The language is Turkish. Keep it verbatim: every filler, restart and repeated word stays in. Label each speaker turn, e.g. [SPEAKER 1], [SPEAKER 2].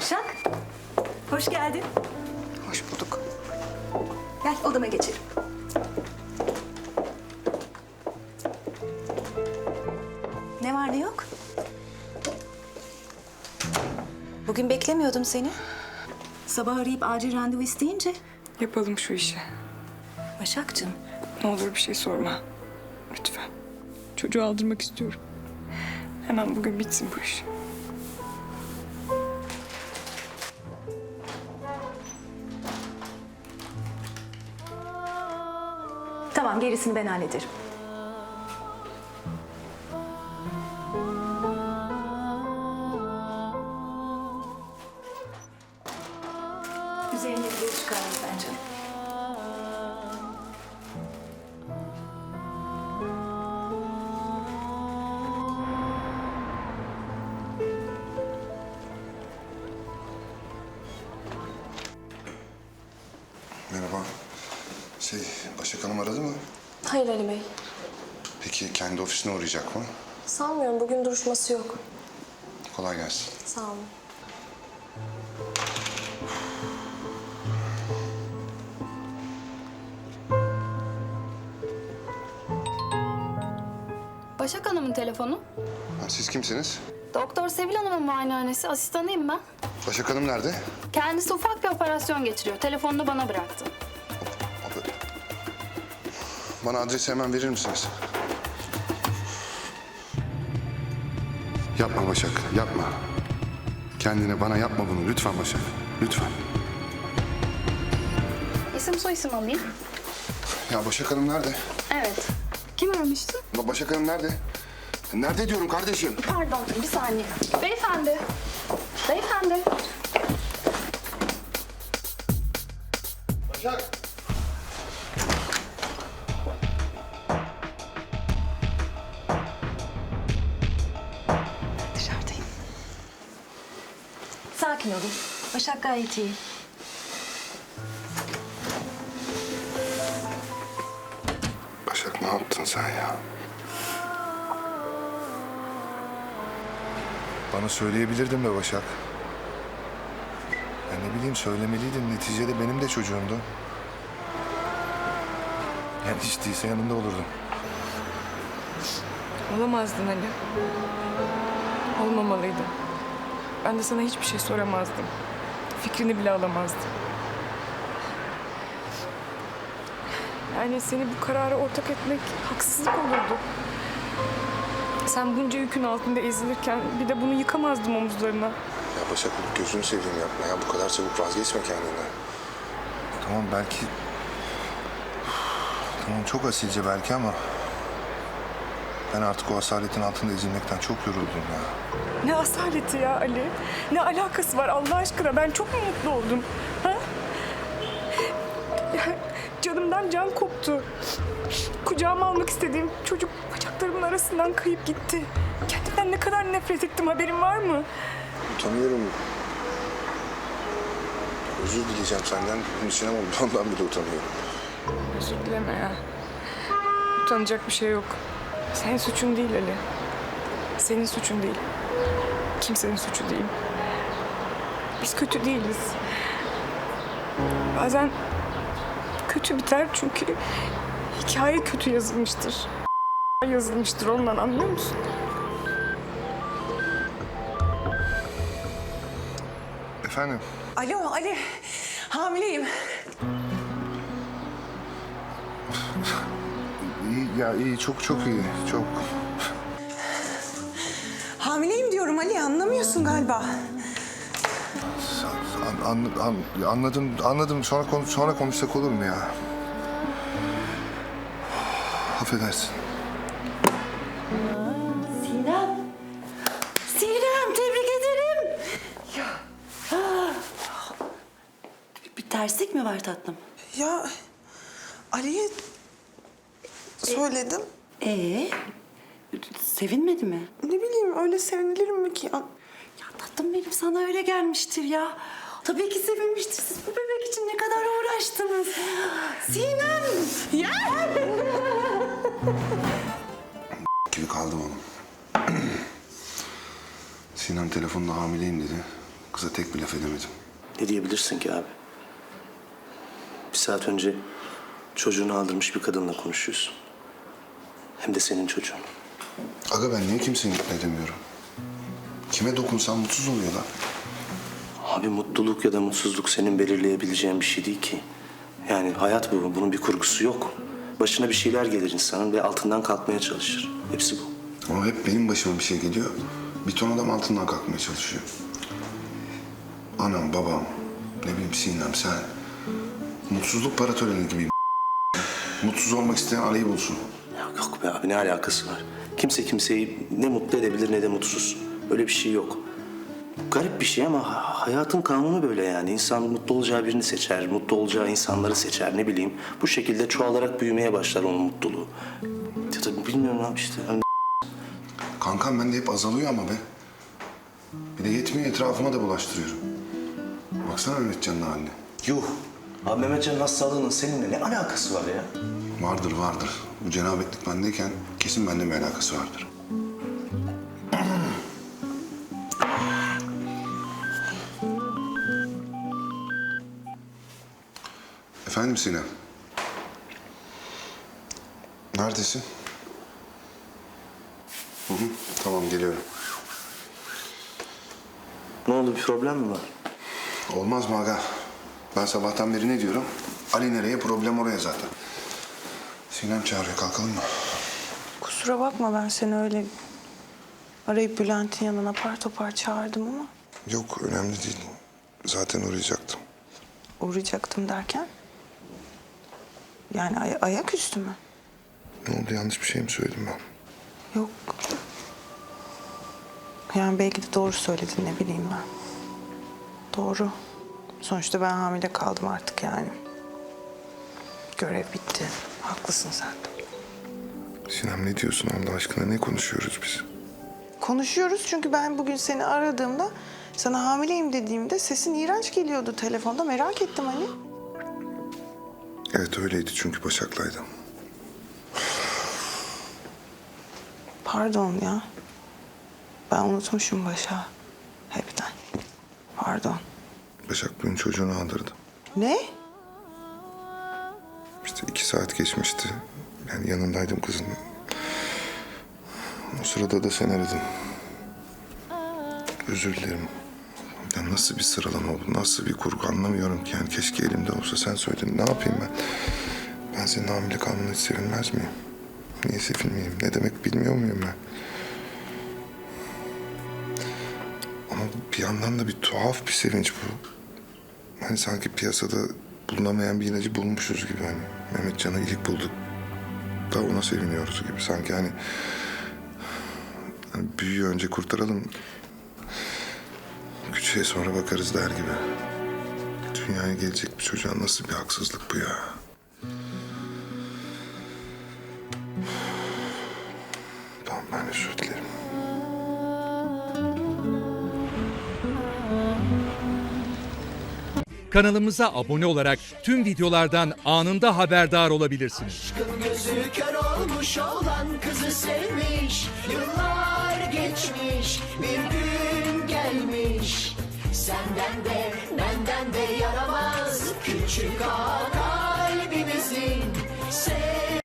[SPEAKER 1] Başak, hoş geldin.
[SPEAKER 2] Hoş bulduk.
[SPEAKER 1] Gel odama geçelim. Ne var ne yok? Bugün beklemiyordum seni. Sabah arayıp acil randevu isteyince.
[SPEAKER 2] Yapalım şu işi.
[SPEAKER 1] Başakcığım,
[SPEAKER 2] Ne olur bir şey sorma. Lütfen. Çocuğu aldırmak istiyorum. Hemen bugün bitsin bu iş.
[SPEAKER 1] tamam gerisini ben hallederim. Üzerine bir çıkarım ben canım.
[SPEAKER 3] Merhaba. Şey, Başak Hanım aradı mı?
[SPEAKER 4] Hayır Ali Bey.
[SPEAKER 3] Peki kendi ofisine uğrayacak mı?
[SPEAKER 4] Sanmıyorum. Bugün duruşması yok.
[SPEAKER 3] Kolay gelsin.
[SPEAKER 4] Sağ olun.
[SPEAKER 5] Başak Hanım'ın telefonu.
[SPEAKER 3] Ha, siz kimsiniz?
[SPEAKER 5] Doktor Sevil Hanım'ın muayenehanesi. Asistanıyım ben.
[SPEAKER 3] Başak Hanım nerede?
[SPEAKER 5] Kendisi ufak bir operasyon geçiriyor. Telefonunu bana bıraktı.
[SPEAKER 3] Abi, bana adresi hemen verir misiniz? Yapma Başak, yapma. Kendine bana yapma bunu lütfen Başak. Lütfen.
[SPEAKER 5] İsim soyisim alayım.
[SPEAKER 3] Ya Başak Hanım nerede?
[SPEAKER 5] Evet. Kim aramıştı?
[SPEAKER 3] Ba- Başak Hanım nerede? Nerede diyorum kardeşim?
[SPEAKER 5] Pardon, bir saniye. Beyefendi. Beyefendi.
[SPEAKER 3] Başak!
[SPEAKER 1] Dışarıdayım. Sakin olun. Başak gayet iyi.
[SPEAKER 3] Başak ne yaptın sen ya? Bana söyleyebilirdin be Başak. Ya ne bileyim söylemeliydin. Neticede benim de çocuğumdu. Yani hiç değilse yanında olurdum.
[SPEAKER 2] Olamazdın Ali. Olmamalıydın. Ben de sana hiçbir şey soramazdım. Fikrini bile alamazdım. Yani seni bu karara ortak etmek haksızlık olurdu. Sen bunca yükün altında ezilirken bir de bunu yıkamazdım omuzlarına.
[SPEAKER 3] Ya Başak gözünü seveyim yapma ya. Bu kadar çabuk vazgeçme kendinden. Tamam belki... Tamam çok asilce belki ama... Ben artık o asaletin altında ezilmekten çok yoruldum ya.
[SPEAKER 2] Ne asaleti ya Ali. Ne alakası var Allah aşkına? Ben çok mu mutlu oldum? Ha? Ya, canımdan can koptu. Kucağıma almak istediğim çocuk bacaklarımın arasından kayıp gitti. Kendimden ne kadar nefret ettim haberin var mı?
[SPEAKER 3] Utanıyorum. Özür dileyeceğim senden. Bunun için ama ondan bile utanıyorum.
[SPEAKER 2] Özür dileme ya. Utanacak bir şey yok. Senin suçun değil Ali. Senin suçun değil. Kimsenin suçu değil. Biz kötü değiliz. Bazen kötü biter çünkü hikaye kötü yazılmıştır. Yazılmıştır ondan anlıyor musun?
[SPEAKER 3] Efendim?
[SPEAKER 6] Alo Ali, hamileyim.
[SPEAKER 3] İyi ya iyi çok çok iyi. Çok.
[SPEAKER 6] Hamileyim diyorum Ali, anlamıyorsun galiba.
[SPEAKER 3] An, an, an- anladım anladım. Sonra konuş sonra konuşsak olur mu ya? Affedersin.
[SPEAKER 6] Sinem. Sinem, tebrik ederim. Ya.
[SPEAKER 7] Bir terslik mi var tatlım?
[SPEAKER 6] Ya Ali'ye söyledim.
[SPEAKER 7] Ee, sevinmedi mi?
[SPEAKER 6] Ne bileyim öyle sevinilir mi ki? An-
[SPEAKER 7] Ya tatlım benim sana öyle gelmiştir ya. Tabii ki sevinmiştir. Siz bu bebek için ne kadar uğraştınız. Sinem!
[SPEAKER 6] Ya!
[SPEAKER 3] Gibi kaldım oğlum. Sinan telefonda hamileyim dedi. Kıza tek bir laf edemedim.
[SPEAKER 8] Ne diyebilirsin ki abi? Bir saat önce çocuğunu aldırmış bir kadınla konuşuyorsun. Hem de senin çocuğun.
[SPEAKER 3] Aga ben niye kimseyi mutlu edemiyorum? Kime dokunsam mutsuz oluyor lan.
[SPEAKER 8] Abi mutluluk ya da mutsuzluk senin belirleyebileceğin bir şey değil ki. Yani hayat bu. Bunun bir kurgusu yok. Başına bir şeyler gelir insanın ve altından kalkmaya çalışır. Hepsi bu.
[SPEAKER 3] Ama hep benim başıma bir şey geliyor. Bir ton adam altından kalkmaya çalışıyor. Anam, babam, ne bileyim Sinem, sen. Mutsuzluk para töreni gibi. Mutsuz olmak isteyen arayı bulsun.
[SPEAKER 8] Ya yok be abi, ne alakası var? Kimse kimseyi ne mutlu edebilir ne de mutsuz. Öyle bir şey yok. Garip bir şey ama ha- hayatın kanunu böyle yani. İnsan mutlu olacağı birini seçer, mutlu olacağı insanları seçer, ne bileyim. Bu şekilde çoğalarak büyümeye başlar onun mutluluğu. Ya da bilmiyorum abi işte. Hani
[SPEAKER 3] Kankam bende hep azalıyor ama be. Bir de yetmiyor, etrafıma da bulaştırıyorum. Baksana Mehmetcan'ın haline.
[SPEAKER 8] yuh. Abi Mehmetcan'ın hastalığının seninle ne alakası var ya?
[SPEAKER 3] Vardır vardır. Bu cenabetlik bendeyken kesin bende bir alakası vardır. Efendim Sinem. Neredesin? Hı hı, tamam geliyorum.
[SPEAKER 8] Ne oldu, bir problem mi var?
[SPEAKER 3] Olmaz mı aga? Ben sabahtan beri ne diyorum? Ali nereye, problem oraya zaten. Sinem çağırıyor, kalkalım mı?
[SPEAKER 6] Kusura bakma ben seni öyle arayıp Bülent'in yanına apar topar çağırdım ama
[SPEAKER 3] Yok, önemli değil. Zaten uğrayacaktım.
[SPEAKER 6] uğrayacaktım derken. Yani ay- ayaküstü mü?
[SPEAKER 3] Ne oldu, yanlış bir şey mi söyledim ben?
[SPEAKER 6] Yok. Yani belki de doğru söyledin, ne bileyim ben. Doğru. Sonuçta ben hamile kaldım artık yani. Görev bitti. Haklısın sen de.
[SPEAKER 3] Sinem ne diyorsun Allah aşkına, ne konuşuyoruz biz?
[SPEAKER 6] Konuşuyoruz çünkü ben bugün seni aradığımda, sana hamileyim dediğimde sesin iğrenç geliyordu telefonda. Merak ettim hani.
[SPEAKER 3] Evet öyleydi çünkü Başak'laydım.
[SPEAKER 6] Pardon ya. Ben unutmuşum Başak'ı. Hepten. Pardon.
[SPEAKER 3] Başak bugün çocuğunu aldırdı.
[SPEAKER 6] Ne?
[SPEAKER 3] İşte iki saat geçmişti. Yani yanındaydım kızın. O sırada da sen aradın. Özür dilerim. Ya nasıl bir sıralama bu, nasıl bir kurgu anlamıyorum ki. Yani keşke elimde olsa, sen söyledin. Ne yapayım ben? Ben senin hamile kalmanı hiç sevinmez miyim? Niye sevinmeyeyim? Ne demek bilmiyor muyum ben? Ama bir yandan da bir tuhaf bir sevinç bu. Hani sanki piyasada bulunamayan bir ilacı bulmuşuz gibi hani. Mehmetcan'ı ilk bulduk. Da ona seviniyoruz gibi. Sanki hani, hani büyüyü önce kurtaralım. Küçüğe sonra bakarız der gibi. Dünyaya gelecek bir çocuğa nasıl bir haksızlık bu ya? Tamam, ben özür dilerim.
[SPEAKER 9] Kanalımıza abone olarak tüm videolardan anında haberdar olabilirsiniz.
[SPEAKER 10] Gözü kör olmuş olan kızı sevmiş. Yıllar geçmiş, bir gün gelmiş. Senden de benden de yaramaz küçük ağa kalbimizin.